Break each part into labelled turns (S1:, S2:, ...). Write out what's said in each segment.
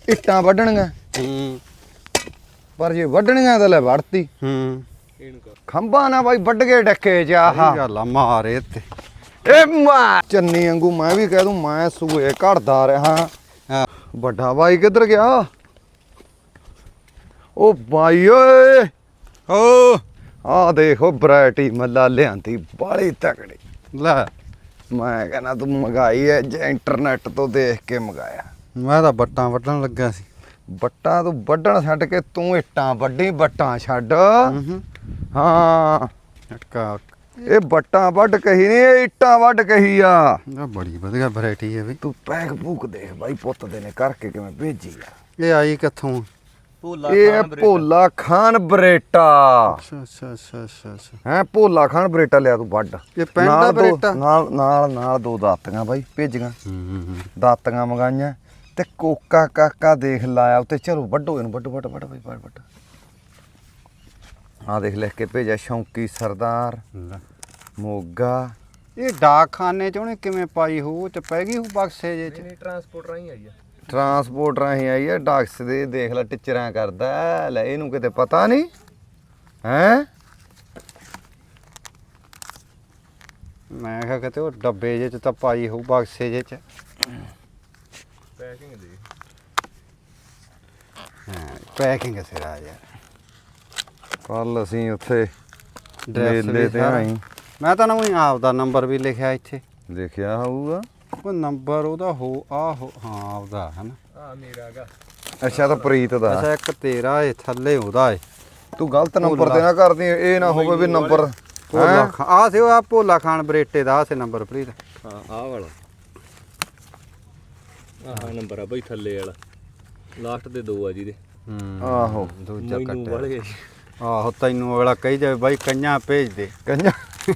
S1: ਇੱਟਾਂ ਵੱਢਣੀਆਂ ਪਰ ਜੇ ਵੱਢਣੀਆਂ ਤਾਂ ਲੈ ਵੜਤੀ ਖੰਭਾ ਨਾ ਬਾਈ ਵੱਢ ਕੇ ਡੱਕੇ ਚ ਆਹ
S2: ਗੱਲ ਆ ਮਾਰੇ ਤੇ
S1: ਏ ਮਾ ਚੰਨੀ ਵਾਂਗੂ ਮੈਂ ਵੀ ਕਹਿ ਦੂੰ ਮੈਂ ਸੂਏ ਘੜਦਾ ਰਿਹਾ ਵੱਡਾ ਬਾਈ ਕਿੱਧਰ ਗਿਆ ਉਹ ਬਾਈ ਓਏ
S2: ਓ
S1: ਆਹ ਦੇਖੋ ਵੈਰਾਈਟੀ ਮੱਲਾ ਲਿਆਂਦੀ ਬਾਲੀ ਤਕੜੀ
S2: ਲੈ
S1: ਮੈਂ ਕਹਿੰਦਾ ਤੂੰ ਮੰਗਾਈ ਐ ਜੇ ਇੰਟਰਨੈਟ ਤੋਂ ਦੇਖ ਕੇ ਮੰਗਾਇਆ
S2: ਮੈਂ ਤਾਂ ਬੱਟਾਂ ਵੱਢਣ ਲੱਗਾ ਸੀ
S1: ਬੱਟਾਂ ਤੂੰ ਵੱਢਣ ਛੱਡ ਕੇ ਤੂੰ ਇੱਟਾਂ ਵੱਢੀ ਬੱਟਾਂ ਛੱਡ ਹਾਂ
S2: ਝਟਕਾ
S1: ਇਹ ਬੱਟਾਂ ਵੱਢ ਕਹੀ ਨਹੀਂ ਇਹ ਇੱਟਾਂ ਵੱਢ ਕਹੀ ਆ
S2: ਇਹ ਬੜੀ ਵਧੀਆ ਵੈਰਾਈਟੀ ਹੈ ਬਈ
S1: ਤੂੰ ਪੈਕ ਭੂਕ ਦੇਖ ਬਾਈ ਪੁੱਤ ਦੇ ਨੇ ਕਰਕੇ ਕਿਵੇਂ ਭੇਜੀ ਆ
S2: ਇਹ ਆਈ ਕਿੱਥੋਂ
S1: ਇਹ ਭੋਲਾ ਖਾਨ ਬਰੇਟਾ
S2: ਅੱਛਾ
S1: ਹੈ ਭੋਲਾ ਖਾਨ ਬਰੇਟਾ ਲਿਆ ਤੂੰ ਵੱਢ
S2: ਇਹ ਪਿੰਡ ਦਾ ਬਰੇਟਾ
S1: ਨਾਲ ਦੋ ਦਾਤੀਆਂ ਬਾਈ ਭੇਜੀਆਂ ਦਾਤੀਆਂ ਮੰਗਾਈਆਂ ਤੇ ਕੋਕਾ ਕਾਕਾ ਦੇਖ ਲਾਇਆ ਉੱਤੇ ਚਲੋ ਵੱਢੋ ਇਹਨੂੰ ਵੱਢ ਬਾਈ ਵੱਢ ਆ ਦੇਖ ਲਿਖ ਕੇ ਭੇਜਿਆ ਸ਼ੌਂਕੀ ਸਰਦਾਰ ਮੋਗਾ
S2: ਇਹ ਡਾਕਖਾਨੇ ਚ ਉਹਨੇ ਕਿਵੇਂ ਪਾਈ ਹੋ ਚ ਪੈ ਗਈ ਹੋ ਬਕਸੇ ਜੇ ਚ
S1: ਟਰਾਂਸਪੋਰਟ ਰਾਹੀਂ ਆਈ ਹੈ ਡਾਕਸ ਦੇ ਦੇਖ ਲੈ ਟਿਚਰਾਂ ਕਰਦਾ ਲੈ ਇਹਨੂੰ ਕਿਤੇ ਪਤਾ ਨਹੀਂ ਹੈ
S2: ਮੈਂ ਕਿਹਾ ਕਿਤੇ ਉਹ ਡੱਬੇ ਜੇ ਚ ਤਾਂ ਪਾਈ ਹੋ ਬਕਸੇ ਜੇ ਚ
S1: ਪੈਕਿੰਗ ਦੇ
S2: ਹਾਂ ਪੈਕਿੰਗ ਸਿਰਾ ਯਾਰ
S1: ਕੱਲ ਅਸੀਂ ਉੱਥੇ
S2: ਡਰੈਸ
S1: ਮੇਲੇ ਤੇ ਆਈ
S2: ਮੈਂ ਤਾਂ ਨਾ ਆਪ ਦਾ ਨੰਬਰ ਵੀ ਲਿਖਿਆ ਇੱਥੇ
S1: ਲਿਖਿਆ ਹੋਊਗਾ
S2: ਉਹ ਨੰਬਰ ਉਹਦਾ ਆਹੋ ਹਾਂ ਆਪਦਾ ਹਨਾ
S1: ਆ ਮੇਰਾ ਹੈਗਾ ਅੱਛਾ ਤਾਂ ਪ੍ਰੀਤ ਦਾ
S2: ਅੱਛਾ ਇੱਕ ਤੇਰਾ ਏ ਥੱਲੇ ਉਹਦਾ ਏ
S1: ਤੂੰ ਗਲਤ ਨੰਬਰ ਤੇ ਨਾ ਕਰਦੀ ਇਹ ਨਾ ਹੋਵੇ ਵੀ ਨੰਬਰ
S2: ਭੋਲਾ ਖਾਨ ਆ ਸੀ ਉਹ ਭੋਲਾ ਖਾਨ ਬਰੇਟੇ ਦਾ ਸੀ ਨੰਬਰ ਪ੍ਰੀਤ
S3: ਹਾਂ ਆਹ ਵਾਲਾ ਆਹ ਨੰਬਰ ਆ ਬਈ ਥੱਲੇ ਵਾਲਾ ਲਾਸਟ ਦੇ ਦੋ ਆ ਜਿਹਦੇ
S1: ਆਹੋ
S2: ਦੂਜਾ
S3: ਮੈਨੂੰ ਵਾਲੇ
S2: ਆਹੋ ਤੈਨੂੰ ਅਗਲਾ ਕਹੀ ਜਾਵੇ ਬਾਈ ਕੰਨਾਂ ਭੇਜ ਦੇ
S1: ਕੰਨਾ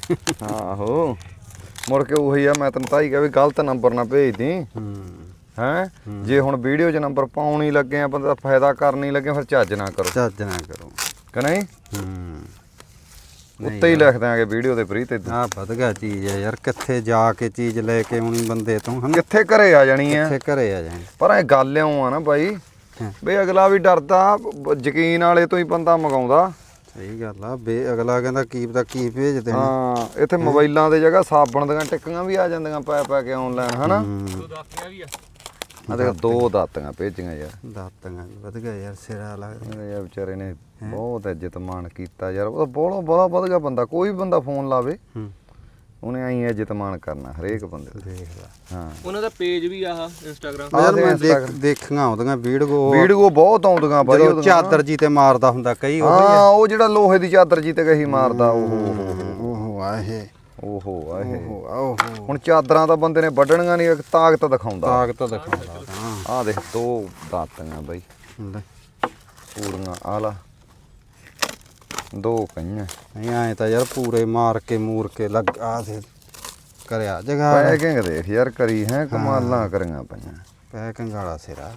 S1: ਆਹੋ ਮੁੜ ਕੇ ਉਹੀ ਆ ਮੈਂ ਤੈਨੂੰ ਤਾਂ ਹੀ ਕਿਹਾ ਵੀ ਗਲਤ ਨੰਬਰ ਨਾ ਭੇਜਦੀ ਹੈ ਜੇ ਹੁਣ ਵੀਡੀਓ 'ਚ ਨੰਬਰ ਪਾਉਣ ਹੀ ਲੱਗੇ ਆ ਬੰਦਾ ਫਾਇਦਾ ਕਰਨ ਹੀ ਲੱਗੇ ਫਿਰ ਚੱਜ ਨਾ ਕਰੋ
S2: ਚੱਜ ਨਾ ਕਰੋ
S1: ਕਿ ਨਹੀਂ ਉੱਤੇ ਹੀ ਲਿਖ ਦਿਆਂਗੇ ਵੀਡੀਓ ਦੇ ਪ੍ਰੀਤ ਤੇ
S2: ਆ ਵਧ ਗਿਆ ਚੀਜ਼ ਹੈ ਯਾਰ ਕਿੱਥੇ ਜਾ ਕੇ ਚੀਜ਼ ਲੈ ਕੇ ਆਉਣੀ ਬੰਦੇ ਤੋਂ ਹਨਾ
S1: ਕਿੱਥੇ ਘਰੇ ਆ ਜਾਣੀ ਆ
S2: ਕਿੱਥੇ ਘਰੇ ਆ ਜਾਣੀ
S1: ਪਰ ਇਹ ਗੱਲ ਇਉਂ ਆ ਨਾ ਬਾਈ ਬਈ ਅਗਲਾ ਵੀ ਡਰਦਾ ਯਕੀਨ ਵਾਲੇ ਤੋਂ ਹੀ ਬੰਦਾ ਮੰਗਾਉਂਦਾ
S2: ਸਹੀ ਗੱਲ ਆ ਬੇ ਅਗਲਾ ਕਹਿੰਦਾ ਕੀ ਪਤਾ ਕੀ ਭੇਜ ਦੇਣਾ
S1: ਹਾਂ ਇੱਥੇ ਮੋਬਾਈਲਾਂ ਦੇ ਜਗ੍ਹਾ ਸਾਬਣ ਦੀਆਂ ਟਿੱਕੀਆਂ ਵੀ ਆ ਜਾਂਦੀਆਂ ਪੈ ਕੇ ਆਨਲਾਈਨ ਹਨਾ
S3: ਦੋ ਦਾਤੀਆਂ ਵੀ ਆ
S1: ਆ ਦੇਖ ਦੋ ਦਾਤੀਆਂ ਭੇਜੀਆਂ ਯਾਰ
S2: ਦਾਤਾਂ ਵਧ ਗਿਆ ਯਾਰ ਸਿਰਾ ਲੱਗਦਾ
S1: ਯਾਰ ਵਿਚਾਰੇ ਨੇ ਬਹੁਤ ਇੱਜ਼ਤ ਮਾਣ ਕੀਤਾ ਯਾਰ ਉਹ ਬਹੁਤ ਬੜਾ ਵਧ ਗਿਆ ਬੰਦਾ ਕੋਈ ਵੀ ਬੰਦਾ ਫੋਨ ਲਾਵੇ ਉਹਨੇ ਆਈ ਇੱਜ਼ਤ ਮਾਣ ਕਰਨਾ ਹਰੇਕ ਬੰਦੇ ਦਾ
S2: ਦੇਖ ਲੈ
S1: ਹਾਂ
S3: ਉਹਨਾਂ ਦਾ ਪੇਜ ਵੀ ਆਹ ਇੰਸਟਾਗ੍ਰਾਮ
S2: ਯਾਰ ਮੈਂ ਦੇਖੀਆਂ ਆਉਂਦੀਆਂ
S1: ਵੀਡੀਓ ਬਹੁਤ ਆਉਂਦੀਆਂ ਬਾਈ
S2: ਜਦੋਂ ਚਾਦਰ ਜੀ ਤੇ ਮਾਰਦਾ ਹੁੰਦਾ ਕਈ
S1: ਹਾਂ ਉਹ ਜਿਹੜਾ ਲੋਹੇ ਦੀ ਚਾਦਰ ਜੀ ਤੇ ਕਹੀ ਮਾਰਦਾ ਓਹੋ
S2: ਆਹੇ
S1: ਓਹੋ ਹੁਣ ਚਾਦਰਾਂ ਤਾਂ ਬੰਦੇ ਨੇ ਵੱਢਣੀਆਂ ਨਹੀਂ ਤਾਕਤ ਦਿਖਾਉਂਦਾ
S2: ਦਿਖਾਉਂਦਾ
S1: ਆਹ ਦੇਖ ਦੋ ਦਾਤੀਆਂ ਬਾਈ ਪੂਰੀਆਂ ਆ ਲਾ ਦੋ ਕਈਆਂ
S2: ਨਹੀਂ ਆਏ ਤਾਂ ਯਾਰ ਪੂਰੇ ਮਾਰ ਕੇ ਮੂਰ ਕੇ ਲੱਗ ਆ ਦੇ ਕਰਿਆ ਜਗਾ
S1: ਪੈਕਿੰਗ ਦੇਖ ਯਾਰ ਕਰੀ ਹੈ ਕਮਾਲਾਂ ਕਰੀਆਂ ਪਈਆਂ
S2: ਪੈਕਿੰਗ ਵਾਲਾ ਸਿਰਾ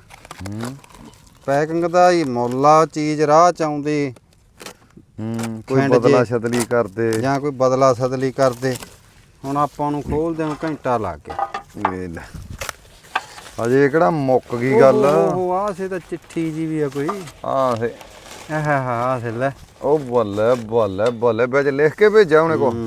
S2: ਪੈਕਿੰਗ ਦਾ ਹੀ ਮੁੱਲਾ ਚੀਜ਼ ਰਾਹ ਚ ਆਉਂਦੀ
S1: ਕੋਈ ਬਦਲਾ ਛਦਲੀ ਕਰਦੇ
S2: ਜਾਂ ਕੋਈ ਬਦਲਾ ਸਦਲੀ ਕਰਦੇ ਹੁਣ ਆਪਾਂ ਨੂੰ ਖੋਲਦੇ ਨੂੰ ਘੰਟਾ ਲੱਗ ਗਿਆ
S1: ਵੇਖ ਲੈ ਅਜੇ ਕਿਹੜਾ ਮੁੱਕ ਗਈ ਗੱਲ
S2: ਉਹ ਆ ਸੇ ਤਾਂ ਚਿੱਠੀ ਜੀ ਵੀ ਆ ਕੋਈ
S1: ਆਹ ਸੇ
S2: ਆਹ ਸੇ ਲੈ
S1: ਉਹ ਬੱਲੇ ਵਿੱਚ ਲਿਖ ਕੇ ਭੇਜਿਆ ਉਹਨੇ ਕੋ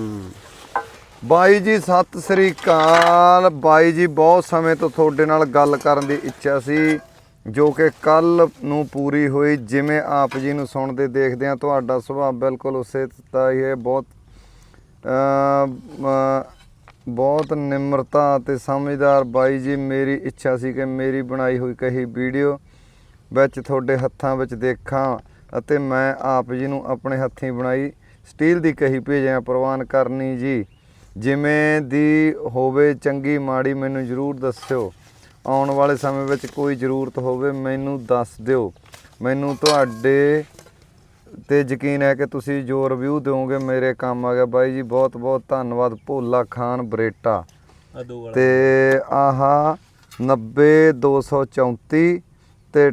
S1: ਬਾਈ ਜੀ ਸਤਿ ਸ੍ਰੀ ਅਕਾਲ ਬਾਈ ਜੀ ਬਹੁਤ ਸਮੇਂ ਤੋਂ ਤੁਹਾਡੇ ਨਾਲ ਗੱਲ ਕਰਨ ਦੀ ਇੱਛਾ ਸੀ ਜੋ ਕਿ ਕੱਲ ਨੂੰ ਪੂਰੀ ਹੋਈ ਜਿਵੇਂ ਆਪ ਜੀ ਨੂੰ ਸੁਣਦੇ ਦੇਖਦੇ ਆ ਤੁਹਾਡਾ ਸੁਭਾਅ ਬਿਲਕੁਲ ਉਸੇ ਤਰ੍ਹਾਂ ਹੀ ਹੈ ਬਹੁਤ ਨਿਮਰਤਾ ਅਤੇ ਸਮਝਦਾਰ ਬਾਈ ਜੀ ਮੇਰੀ ਇੱਛਾ ਸੀ ਕਿ ਮੇਰੀ ਬਣਾਈ ਹੋਈ ਕਹੀ ਵੀਡੀਓ ਵਿੱਚ ਤੁਹਾਡੇ ਹੱਥਾਂ ਵਿੱਚ ਦੇਖਾਂ ਅਤੇ ਮੈਂ ਆਪ ਜੀ ਨੂੰ ਆਪਣੇ ਹੱਥੀਂ ਬਣਾਈ ਸਟੀਲ ਦੀ ਕਹੀ ਭੇਜਿਆ ਪ੍ਰਵਾਨ ਕਰਨੀ ਜੀ ਜਿਵੇਂ ਦੀ ਹੋਵੇ ਚੰਗੀ ਮਾੜੀ ਮੈਨੂੰ ਜ਼ਰੂਰ ਦੱਸਿਓ ਆਉਣ ਵਾਲੇ ਸਮੇਂ ਵਿੱਚ ਕੋਈ ਜ਼ਰੂਰਤ ਹੋਵੇ ਮੈਨੂੰ ਦੱਸ ਦਿਓ ਮੈਨੂੰ ਤੁਹਾਡੇ ਤੇ ਯਕੀਨ ਹੈ ਕਿ ਤੁਸੀਂ ਜੋ ਰਿਵਿਊ ਦਿਓਗੇ ਮੇਰੇ ਕੰਮ ਆ ਗਿਆ ਬਾਈ ਜੀ ਬਹੁਤ ਬਹੁਤ ਧੰਨਵਾਦ ਭੋਲਾ ਖਾਨ ਬਰੇਟਾ ਤੇ ਆਹਾ 90234 ਤੇ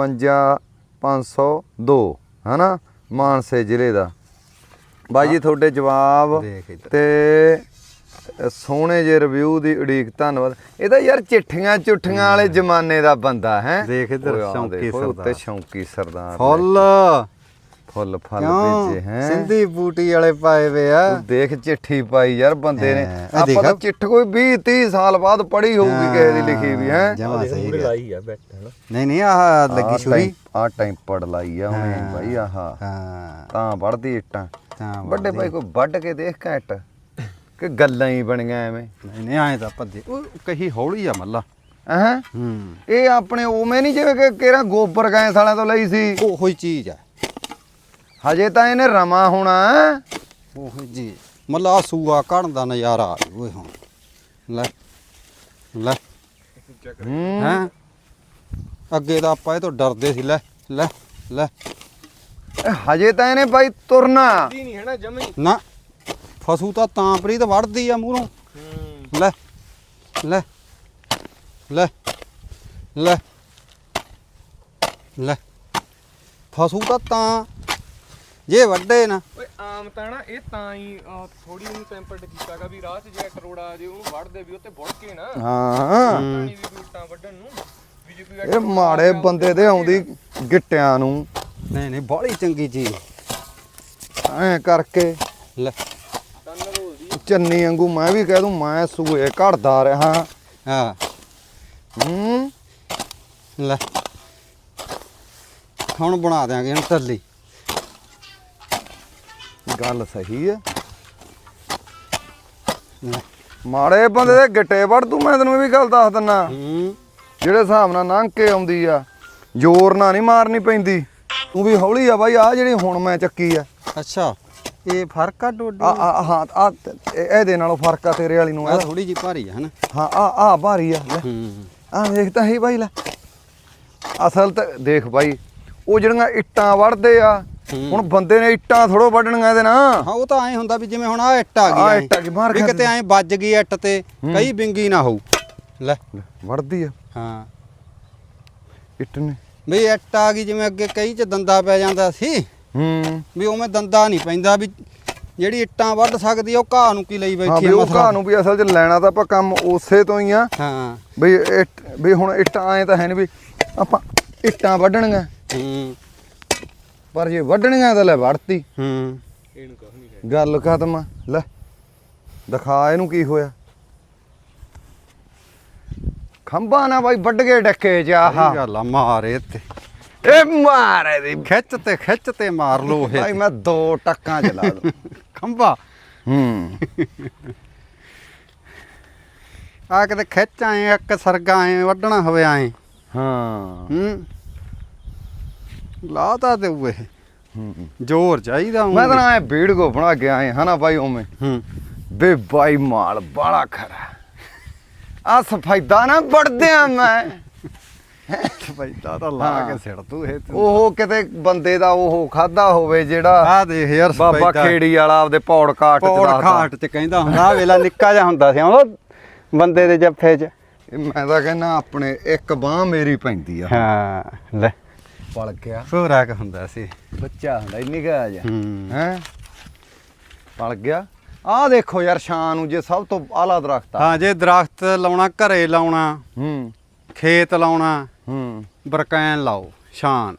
S1: 58502 ਹਨਾ ਮਾਨਸੇ ਜ਼ਿਲ੍ਹੇ ਦਾ ਬਾਈ ਜੀ ਤੁਹਾਡੇ ਜਵਾਬ ਤੇ ਸੋਹਣੇ ਜੇ ਰਿਵਿਊ ਦੀ ਉਡੀਕ ਧੰਨਵਾਦ। ਇਹ ਤਾਂ ਯਾਰ ਚਿੱਠੀਆਂ ਚੁੱਠੀਆਂ ਵਾਲੇ ਜ਼ਮਾਨੇ ਦਾ ਬੰਦਾ ਹੈ।
S2: ਦੇਖ ਇੱਧਰ
S1: ਓਏ ਆਹ
S2: ਸ਼ੌਂਕੀ
S1: ਦੇਖੋ, ਉੱਤੇ
S2: ਸਰਦਾਰ।
S1: ਸ਼ੌਂਕੀ ਸਰਦਾਰ
S2: ਫੁੱਲ
S1: ਫੁੱਲ ਫਲ
S2: ਕਿਉਂ
S1: ਭੇਜੇ ਹੈ।
S2: ਸਿੰਧੀ ਬੂਟੀ ਵਾਲੇ ਪਾਏ ਵੇ ਆ।
S1: ਤੂੰ ਦੇਖ ਚਿੱਠੀ ਪਾਈ ਯਾਰ ਬੰਦੇ ਨੇ।
S2: ਹਾਂ, ਇਹ
S1: ਆਪਾਂ ਤਾਂ
S2: ਦੇਖ।
S1: ਚਿੱਠ ਕੋਈ 20-30 ਸਾਲ ਬਾਅਦ ਪੜ੍ਹੀ ਹੋਊਗੀ ਕਿਸੇ ਦੀ ਲਿਖੀ ਵੀ ਹੈ।
S2: ਜਮਾ ਸਹੀ
S3: ਮੂਰੇ
S2: ਗੱਲ।
S3: ਲਾਈ ਆ ਬੈਠ ਹੈ ਨਾ।
S2: ਨਹੀਂ ਆਹ ਲੱਗੀ ਛੁਰੀ।
S1: ਆ ਟਾਈਮ ਪੜ ਲਾਈ ਆ ਉਹਨੇ
S2: ਹਾਂ।
S1: ਬਾਈ ਆਹ
S2: ਹਾਂ
S1: ਤਾਂ ਵੜਦੀ ਇੱਟਾਂ।
S2: ਤਾਂ
S1: ਵੱਡੇ ਭਾਈ ਕੋਈ ਵੱਢ ਕੇ ਦੇਖ ਘੈਂਟ ਕਿ ਗੱਲਾਂ ਹੀ ਬਣੀਆਂ ਐਵੇਂ।
S2: ਨਹੀਂ ਆਏ ਤਾਂ ਭੱਜੇ ਉਹ ਕਹੀ ਹੌਲੀ ਆ ਮੱਲਾ।
S1: ਹਾਂ ਇਹ ਆਪਣੇ ਉਵੇਂ ਨਹੀਂ ਜਿਵੇਂ ਕਿ ਕਿਹੜਾ ਗੋਬਰ ਗੈਸ ਵਾਲਿਆਂ ਤੋਂ ਲਈ ਸੀ।
S2: ਉਹੋ ਹੀ ਚੀਜ਼ ਆ।
S1: ਹਜੇ ਤਾਂ ਇਹਨੇ ਰਮਾ ਹੋਣਾ।
S2: ਉਹੋ ਜੀ ਮੱਲਾ ਸੂਆ ਕੱਢਣ ਦਾ ਨਜ਼ਾਰਾ ਆ ਓਏ ਹੁਣ ਲੈ ਲੈ ਹੈਂ ਅੱਗੇ ਤਾਂ ਆਪਾਂ ਇਹ ਤੋਂ ਡਰਦੇ ਸੀ। ਲੈ ਲੈ ਲੈ
S1: ਹਜੇ ਤਾਂ ਇਹਨੇ ਬਾਈ ਤੁਰਨਾ।
S3: ਨਹੀਂ ਹੈ ਨਾ ਜਮੀ।
S2: ਨਾ ਫਸੂ ਤਾਂ ਪ੍ਰੀਤ ਵੜਦੀ ਆ ਮੂਹਰੋਂ। ਲੈ ਲੈ ਲੈ ਲੈ ਲੈ ਫਸੂ ਤਾਂ ਜੇ ਵੱਡੇ ਨਾ।
S3: ਓਏ ਆਮ ਤਾਂ ਨਾ ਇਹ ਤਾਂ ਹੀ ਥੋੜੀ ਉਹਨੂੰ ਟੈਂਪਰਡ ਕੀਤਾਗਾ ਵੀ ਰਾਹ 'ਚ ਜੇ ਕਰੋੜਾ ਜੇ ਉਹਨੂੰ ਵੜਦੇ ਵੀ ਉੱਤੇ ਬੁੜ ਕੇ ਨਾ
S1: ਹਾਂ
S3: ਪਾਣੀ ਵੀ ਬੂਟਾਂ ਵੱਢਣ ਨੂੰ ਵੀ ਜੇ ਕੋਈ
S1: ਇਹ ਮਾੜੇ ਬੰਦੇ ਦੇ ਆਉਂਦੀ ਗਿੱਟਿਆਂ ਨੂੰ
S2: ਨਹੀਂ ਬਾਹਲੀ ਚੰਗੀ ਚੀਜ਼
S1: ਐ ਕਰਕੇ
S2: ਲੈ
S3: ਤਨ ਰੋਲਦੀ
S1: ਚੰਨੀ ਵਾਂਗੂ ਮੈਂ ਵੀ ਕਹਿ ਦੂੰ ਮੈਂ ਸੂਏ ਘੜਦਾ ਰਿਹਾ।
S2: ਹਾਂ ਲੈ ਹੁਣ ਬਣਾ ਦਿਆਂਗੇ ਹੁਣ ਟੱਲੀ।
S1: ਗੱਲ ਸਹੀ ਹੈ।
S2: ਲੈ
S1: ਮਾੜੇ ਬੰਦੇ ਦੇ ਗਿੱਟੇ ਵੜ ਤੂੰ। ਮੈਂ ਤੈਨੂੰ ਇਹ ਵੀ ਗੱਲ ਦੱਸ ਦਿੰਨਾ ਜਿਹੜੇ ਹਿਸਾਬ ਨਾਲ ਲੰਘ ਕੇ ਆਉਂਦੀ ਆ ਜ਼ੋਰ ਨਾਲ ਨਹੀਂ ਮਾਰਨੀ ਪੈਂਦੀ। ਤੂੰ ਵੀ ਹੌਲੀ ਆ ਬਾਈ। ਆ ਜਿਹੜੀ ਹੁਣ ਮੈਂ ਚੱਕੀ ਆ
S2: ਅੱਛਾ ਇਹ ਫਰਕ ਆ ਡੋਡੀ
S1: ਹਾਂ ਆ ਇਹਦੇ ਨਾਲੋਂ ਫਰਕ ਆ ਤੇਰੇ ਵਾਲੀ ਨੂੰ।
S2: ਆ ਥੋੜੀ ਜੀ ਭਾਰੀ ਆ ਹਨਾ।
S1: ਹਾਂ ਆ ਭਾਰੀ ਆ। ਲੈ ਆ ਦੇਖ ਤਾਂ ਹੀ ਬਾਈ। ਲੈ ਅਸਲ ਤਾਂ ਦੇਖ ਬਾਈ ਉਹ ਜਿਹੜੀਆਂ ਇੱਟਾਂ ਵੜਦੇ ਆ ਹੁਣ ਬੰਦੇ ਨੇ ਇੱਟਾਂ ਥੋੜੋ ਵੱਢਣੀਆਂ ਇਹਦੇ ਨਾਲ।
S2: ਹਾਂ ਉਹ ਤਾਂ ਐ ਹੁੰਦਾ ਵੀ ਜਿਵੇਂ ਹੁਣ ਆ ਇੱਟ ਆ ਗਈ
S1: ਆਹ ਇੱਟ ਆ ਗਈ, ਮਾਰ
S2: ਵੀ
S1: ਖਾ
S2: ਕਿਤੇ ਐ ਵੱਜ ਗਈ ਇੱਟ ਤੇ ਕਈ ਬਿੰਗੀ ਨਾ ਹੋਊ। ਲੈ
S1: ਵੜਦੀ ਆ
S2: ਹਾਂ
S1: ਇੱਟ ਨੇ।
S2: ਵੀ ਇੱਟ ਆ ਗਈ ਜਿਵੇਂ ਅੱਗੇ ਕਈ ਚ ਦੰਦਾ ਪੈ ਜਾਂਦਾ ਸੀ ਵੀ ਉਵੇਂ ਦੰਦਾ ਨਹੀਂ ਪੈਂਦਾ ਵੀ ਜਿਹੜੀ ਇੱਟਾਂ ਵੱਢ ਸਕਦੀ ਆ ਉਹ ਘਾਹ ਨੂੰ ਕੀ ਲਈ
S1: ਹਾਂ
S2: ਬੈਠੀ
S1: ਵੀ
S2: ਆ
S1: ਉਹ
S2: ਮਸਲਾ।
S1: ਘਾਹ ਨੂੰ ਵੀ ਅਸਲ 'ਚ ਲੈਣਾ ਤਾਂ ਆਪਾਂ ਕੰਮ ਉਸੇ ਤੋਂ ਹੀ ਆ।
S2: ਹਾਂ
S1: ਬਈ ਵੀ ਹੁਣ ਇੱਟਾਂ ਐ ਤਾਂ ਹੈ ਨਹੀਂ ਵੀ ਆਪਾਂ ਇੱਟਾਂ ਵੱਢਣੀਆਂ ਪਰ ਜੇ ਵੱਢਣੀਆਂ ਤਾਂ ਲੈ ਵੜਤੀ।
S3: ਇਹਨੂੰ ਕੁਝ ਨਹੀਂ ਹੈ।
S1: ਗੱਲ ਖਤਮ ਆ। ਲੈ ਦਿਖਾ ਇਹਨੂੰ ਕੀ ਹੋਇਆ। ਖੰਭਾ ਨਾ ਬਾਈ ਵੱਢ ਕੇ ਡੱਕੇ ਚ ਆਹ
S2: ਸਹੀ ਗੱਲ ਆ ਮਾਰੇ ਤੇ
S1: ਇਹ ਮਾਰੇ ਦੀ
S2: ਖਿੱਚ ਤੇ ਮਾਰ ਲੋ
S1: ਬਾਈ
S2: ਇਹ
S1: ਮੈਂ 2 ਟੱਕਾਂ ਚਲਾ ਦੂੰ।
S2: ਖੰਭਾ ਆ ਕਿਤੇ ਖਿੱਚ ਆਏ ਇੱਕ ਸਰਗਾ ਐ ਵੱਢਣਾ ਹੋਵੇ ਐ
S1: ਹਾਂ
S2: ਲਾ ਤਾਂ ਦੇਊ ਇਹ ਜ਼ੋਰ ਚਾਹੀਦਾ
S1: ਮੈਂ ਤਾਂ ਐ ਵੀਡੀਓ ਬਣਾ ਕੇ ਆਏ ਹਨਾ ਬਾਈ ਉਵੇਂ ਬੇ ਬਾਈ ਮਾਲ ਬਾਲਾ ਖਰਾ ਆ ਸਫਾਇਦਾ ਨਾ ਵੜਦਿਆਂ ਮੈਂ
S2: ਪੈਦਾ ਤਾਂ ਲਾ ਕੇ ਸਿੜ ਤੂੰ ਇਹ
S1: ਉਹ ਕਿਤੇ ਬੰਦੇ ਦਾ ਉਹ ਖਾਦਾ ਹੋਵੇ ਜਿਹੜਾ
S2: ਆ ਦੇਖ ਯਾਰ
S1: ਬਾਬਾ ਖੇੜੀ ਵਾਲਾ ਆਪਦੇ ਪੌੜ ਕਾਟ ਚ
S2: ਪੌੜ
S1: ਦੱਸਦਾ।
S2: ਖਾਟ ਚ ਕਹਿੰਦਾ ਹੁੰਦਾ ਆ ਵੇਲਾ ਨਿੱਕਾ ਜਿਹਾ ਹੁੰਦਾ ਸੀ ਉਹ ਬੰਦੇ ਦੇ ਜੱਫੇ ਚ।
S1: ਇਹ ਮੈਂ ਤਾਂ ਕਹਿੰਦਾ ਆਪਣੇ ਇੱਕ ਬਾਹ ਮੇਰੀ ਪੈਂਦੀ ਆ।
S2: ਹਾਂ ਲੈ
S1: ਪਲ ਗਿਆ
S2: ਸੋਰਾ ਕ ਹੁੰਦਾ ਸੀ।
S1: ਬੱਚਾ ਹੁੰਦਾ ਇੰਨੀ ਕਾ ਜਾ
S2: ਹੂੰ
S1: ਹੈ ਪਲ ਗਿਆ। ਆਹ ਦੇਖੋ ਯਾਰ ਸ਼ਾਨ ਨੂੰ ਜੇ ਸਭ ਤੋਂ ਆਲਾ ਦਰਖਤ ਆ।
S2: ਹਾਂ ਜੇ ਦਰਖਤ ਲਾਉਣਾ ਘਰੇ ਲਾਉਣਾ ਖੇਤ ਲਾਉਣਾ ਬਰਕੈਨ ਲਾਓ ਸ਼ਾਨ।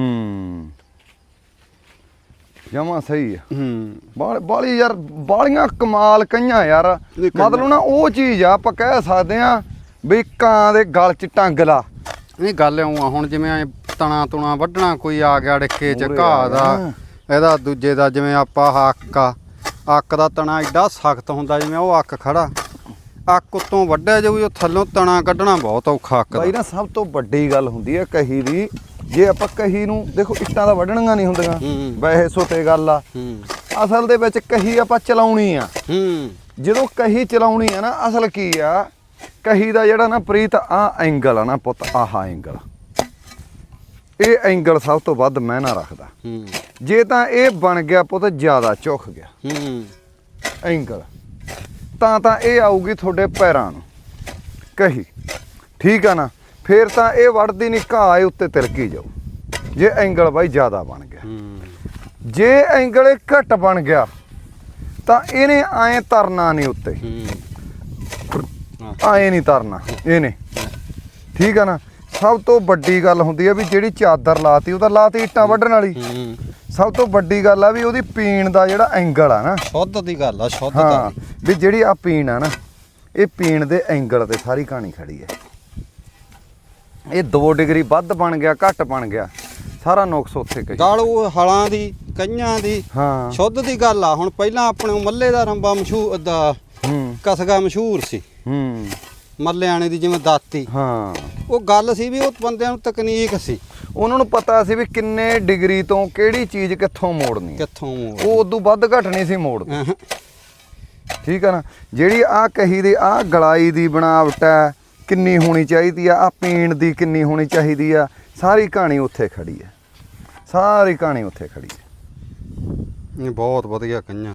S1: ਜਮਾ ਸਹੀ ਆ। ਬਾਲੀ ਯਾਰ ਬਾਲੀਆਂ ਕਮਾਲ ਕਈਆਂ ਯਾਰ। ਮਤਲਬ ਨਾ ਉਹ ਚੀਜ਼ ਆ ਆਪਾਂ ਕਹਿ ਸਕਦੇ ਆ ਵੀ ਕਾਂ ਦੇ ਗਲ ਚ ਟੰਗ ਲਾ।
S2: ਨਹੀਂ ਗੱਲ ਇਉਂ ਆ ਹੁਣ ਜਿਵੇਂ ਤਣਾ ਤੁਣਾ ਵੱਢਣਾ ਕੋਈ ਆ ਗਿਆ ਡਿੱਕੇ ਚ
S1: ਮੂਹਰੇ
S2: ਘਾਹ
S1: ਆ
S2: ਦਾ
S1: ਗਿਆ।
S2: ਇਹਦਾ ਦੂਜੇ ਦਾ ਜਿਵੇਂ ਆਪਾਂ ਅੱਕ ਦਾ ਤਣਾ ਐਡਾ ਸਖਤ ਹੁੰਦਾ ਜਿਵੇਂ ਉਹ ਅੱਕ ਖੜਾ ਅੱਕ ਉੱਤੋਂ ਵੱਢਿਆ ਜਾਊ ਉਹ ਥੱਲੋਂ ਤਣਾ ਕੱਢਣਾ ਬਹੁਤ ਔਖਾ ਅੱਕ
S1: ਬਾਈ
S2: ਦਾ।
S1: ਨਾ ਸਭ ਤੋਂ ਵੱਡੀ ਗੱਲ ਹੁੰਦੀ ਹੈ ਕਹੀ ਦੀ। ਜੇ ਆਪਾਂ ਕਹੀ ਨੂੰ ਦੇਖੋ ਇੱਟਾਂ ਦਾ ਵੱਢਣੀਆਂ ਨਹੀਂ ਹੁੰਦੀਆਂ ਵੈਸੇ ਸੋਤੇ ਗੱਲ ਆ। ਅਸਲ ਦੇ ਵਿੱਚ ਕਹੀ ਆਪਾਂ ਚਲਾਉਣੀ ਆ। ਜਦੋਂ ਕਹੀ ਚਲਾਉਣੀ ਆ ਨਾ ਅਸਲ ਕੀ ਆ ਕਹੀ ਦਾ ਜਿਹੜਾ ਨਾ ਪ੍ਰੀਤ ਆ ਐਂਗਲ ਆ ਨਾ ਪੁੱਤ ਆਹ ਐਂਗਲ ਇਹ ਐਂਗਲ ਸਭ ਤੋਂ ਵੱਧ ਮਾਇਨਾ ਰੱਖਦਾ। ਜੇ ਤਾਂ ਇਹ ਬਣ ਗਿਆ ਪੁੱਤ ਜ਼ਿਆਦਾ ਝੁਕ ਗਿਆ ਐਂਗਲ ਤਾਂ ਇਹ ਆਊਗੀ ਤੁਹਾਡੇ ਪੈਰਾਂ ਨੂੰ ਕਹੀ ਠੀਕ ਆ ਨਾ। ਫੇਰ ਤਾਂ ਇਹ ਵੜਦੀ ਨਹੀਂ ਘਾਹ ਇਹ ਉੱਤੇ ਤਿਲਕੀ ਜਾਊ ਜੇ ਐਂਗਲ ਬਾਈ ਜ਼ਿਆਦਾ ਬਣ ਗਿਆ। ਜੇ ਐਂਗਲ ਘੱਟ ਬਣ ਗਿਆ ਤਾਂ ਇਹਨੇ ਐਂ ਤਰਨਾ ਨਹੀਂ ਉੱਤੇ ਆਏ ਨਹੀਂ ਤਰਨਾ ਇਹਨੇ, ਠੀਕ ਆ ਨਾ। ਸਭ ਤੋਂ ਵੱਡੀ ਗੱਲ ਹੁੰਦੀ ਆ ਵੀ ਜਿਹੜੀ ਚਾਦਰ ਲਾਤੀ ਉਹ ਤਾਂ ਲਾਤੀ ਇੱਟਾਂ ਵੱਢਣ ਵਾਲੀ। ਸਭ ਤੋਂ ਵੱਡੀ ਗੱਲ ਆ ਵੀ ਉਹਦੀ ਪੀਣ ਦਾ ਜਿਹੜਾ ਐਂਗਲ ਆ ਨਾ,
S2: ਸ਼ੁੱਧ ਦੀ ਗੱਲ ਆ, ਸ਼ੁੱਧ
S1: ਹਾਂ
S2: ਦੀ।
S1: ਵੀ ਜਿਹੜੀ ਆ ਪੀਣ ਆ ਨਾ, ਇਹ ਪੀਣ ਦੇ ਐਂਗਲ ਤੇ ਸਾਰੀ ਕਹਾਣੀ ਖੜੀ ਹੈ। ਇਹ 2 ਡਿਗਰੀ ਵੱਧ ਬਣ ਗਿਆ ਘੱਟ ਬਣ ਗਿਆ, ਸਾਰਾ ਨੁਕਸ ਉੱਥੇ ਕਹੀ।
S2: ਗੱਲ ਉਹ ਹਲਾਂ ਦੀ, ਕਈਆਂ ਦੀ,
S1: ਹਾਂ
S2: ਸ਼ੁੱਧ ਦੀ ਗੱਲ ਆ। ਹੁਣ ਪਹਿਲਾਂ ਆਪਣੇ ਮੱਲੇ ਦਾ ਰੰਬਾ ਮਸ਼ਹੂਰ ਦਾ ਕਸਗਾ ਮਸ਼ਹੂਰ ਸੀ, ਮੱਲਿਆਣੇ ਦੀ ਜਿਵੇਂ ਦਾਤੀ।
S1: ਹਾਂ
S2: ਉਹ ਗੱਲ ਸੀ ਵੀ ਉਹ ਬੰਦਿਆਂ ਨੂੰ ਤਕਨੀਕ ਸੀ,
S1: ਉਹਨਾਂ ਨੂੰ ਪਤਾ ਸੀ ਵੀ ਕਿੰਨੇ ਡਿਗਰੀ ਤੋਂ ਕਿਹੜੀ ਚੀਜ਼ ਕਿੱਥੋਂ ਮੋੜਨੀ,
S2: ਕਿੱਥੋਂ
S1: ਉਹ ਉਦੋਂ ਵੱਧ ਘੱਟ ਨਹੀਂ ਸੀ ਮੋੜਦੇ, ਠੀਕ ਆ ਨਾ। ਜਿਹੜੀ ਆ ਕਹੀ ਦੀ ਆ ਗਲਾਈ ਦੀ ਬਣਾਵਟ ਹੈ ਕਿੰਨੀ ਹੋਣੀ ਚਾਹੀਦੀ ਆ ਪੀਣ ਦੀ ਕਿੰਨੀ ਹੋਣੀ ਚਾਹੀਦੀ ਆ, ਸਾਰੀ ਕਹਾਣੀ ਉੱਥੇ ਖੜੀ ਹੈ, ਸਾਰੀ ਕਹਾਣੀ ਉੱਥੇ ਖੜੀ ਹੈ।
S2: ਬਹੁਤ ਵਧੀਆ ਕਈਆਂ।